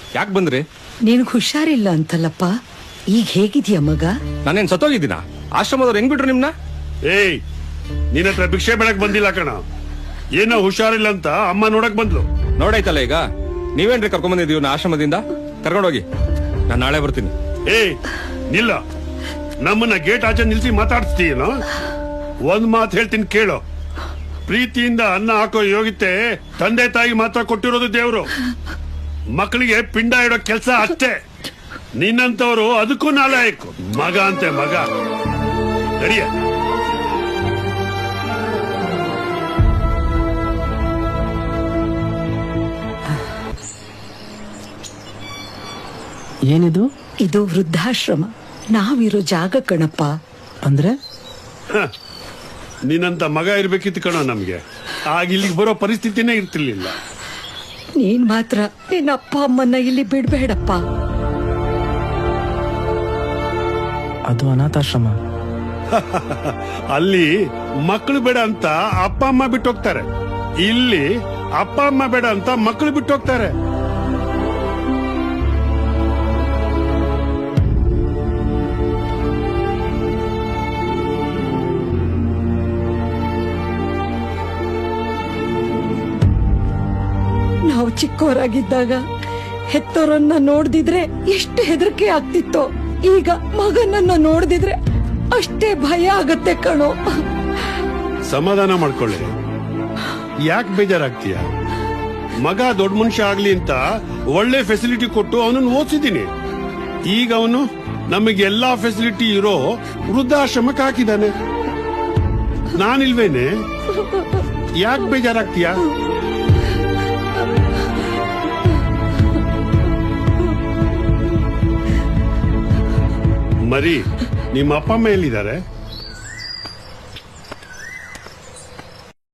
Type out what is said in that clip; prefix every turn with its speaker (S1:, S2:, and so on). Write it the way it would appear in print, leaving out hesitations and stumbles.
S1: ಯಾಕೆ ಬಂದ್ರಿ?
S2: ನಿನಗ್ ಹುಷಾರಿಲ್ಲ ಅಂತಲ್ಲಪ್ಪ, ಈಗ ಹೇಗಿದ್ಯಾ ಮಗ?
S1: ನಾನೇನ್ ಸತ್ತೋಗಿದ್ದೀನ? ಆಶ್ರಮದವ್ರು ಹೆಂಗ್ ಬಿಟ್ರು ನಿಮ್ನ?
S3: ಏಯ್, ನಿನ್ನ ಹತ್ರ ಭಿಕ್ಷೆ ಬೇಡಕ್ ಬಂದಿಲ್ಲ ಕಣ. ಏನೋ ಹುಷಾರಿಲ್ಲ ಅಂತ ಅಮ್ಮ ನೋಡಕ್ ಬಂದ್ಲು.
S1: ನೋಡಾಯ್ತಲ್ಲ ಈಗ, ನೀವೇನ್ರಿ ಕರ್ಕೊಂಡ್ ಬಂದಿದ್ದೀವಿ ಆಶ್ರಮದಿಂದ? ಕರ್ಕೊಂಡೋಗಿ, ನಾನ್ ನಾಳೆ ಬರ್ತೀನಿ.
S3: ಏಯ್ ನಿಲ್ಲ, ನಮ್ಮನ್ನ ಗೇಟ್ ಆಚೆ ನಿಲ್ಸಿ ಮಾತಾಡ್ತೀಯೇನೋ? ಒಂದ್ ಮಾತು ಹೇಳ್ತೀನಿ ಕೇಳೋ. ಪ್ರೀತಿಯಿಂದ ಅನ್ನ ಹಾಕೋ ಯೋಗ್ಯತೆ ತಂದೆ ತಾಯಿ ಮಾತ್ರ ಕೊಟ್ಟಿರೋದು ದೇವ್ರು. ಮಕ್ಕಳಿಗೆ ಪಿಂಡ ಇಡೋ ಕೆಲಸ ಅಷ್ಟೇ. ನಿನ್ನಂತವ್ರು ಅದಕ್ಕೂ ನಾಲಾಯಕು. ಮಗ ಅಂತೆ ಮಗ. ನಡಿಯ.
S4: ಏನಿದು?
S2: ಇದು ವೃದ್ಧಾಶ್ರಮ, ನಾವಿರೋ ಜಾಗ ಕಣಪ್ಪ.
S4: ಅಂದ್ರೆ
S3: ನಿನ್ನಂತ ಮಗ ಇರ್ಬೇಕಿತ್ತು ಕಣೋ ನಮ್ಗೆ. ಆಗ ಇಲ್ಲಿಗೆ ಬರೋ ಪರಿಸ್ಥಿತಿನೇ ಇರ್ತಿರ್ಲಿಲ್ಲ.
S2: ನೀನ್ ಮಾತ್ರ ನಿನ್ನ ಅಪ್ಪ ಅಮ್ಮನ್ನ ಇಲ್ಲಿ ಬಿಡ್ಬೇಡಪ್ಪ.
S4: ಅದು ಅನಾಥಾಶ್ರಮ.
S3: ಅಲ್ಲಿ ಮಕ್ಕಳು ಬೇಡ ಅಂತ ಅಪ್ಪ ಅಮ್ಮ ಬಿಟ್ಟು ಹೋಗ್ತಾರೆ. ಇಲ್ಲಿ ಅಪ್ಪ ಅಮ್ಮ ಬೇಡ ಅಂತ ಮಕ್ಕಳು ಬಿಟ್ಟು ಹೋಗ್ತಾರೆ.
S2: ನಾವು ಚಿಕ್ಕವರಾಗಿದ್ದಾಗ ಹೆತ್ತೋರನ್ನ ನೋಡ್ದಿದ್ರೆ ಎಷ್ಟು ಹೆದರಿಕೆ ಆಗ್ತಿತ್ತೋ, ಈಗ ಮಗನನ್ನ ನೋಡ್ದಿದ್ರೆ ಅಷ್ಟೇ ಭಯ ಆಗತ್ತೆ ಕಣೋ.
S3: ಸಮಾಧಾನ ಮಾಡ್ಕೊಳ್ಳಿ, ಯಾಕೆ ಬೇಜಾರಾಗ್ತೀಯ? ಮಗ ದೊಡ್ಡ ಮನುಷ್ಯ ಆಗ್ಲಿ ಅಂತ ಒಳ್ಳೆ ಫೆಸಿಲಿಟಿ ಕೊಟ್ಟು ಅವನನ್ನು ಓದಿಸಿದ್ದೀನಿ. ಈಗ ಅವನು ನಮಗೆಲ್ಲಾ ಫೆಸಿಲಿಟಿ ಇರೋ ವೃದ್ಧಾಶ್ರಮಕ್ಕೆ ಹಾಕಿದ್ದಾನೆ. ನಾನಿಲ್ವೇನೆ? ಯಾಕೆ ಬೇಜಾರಾಗ್ತೀಯ? ಮರಿ, ನಿಮ್ಮ ಅಪ್ಪ ಅಮ್ಮ ಎಲ್ಲಿದ್ದಾರೆ?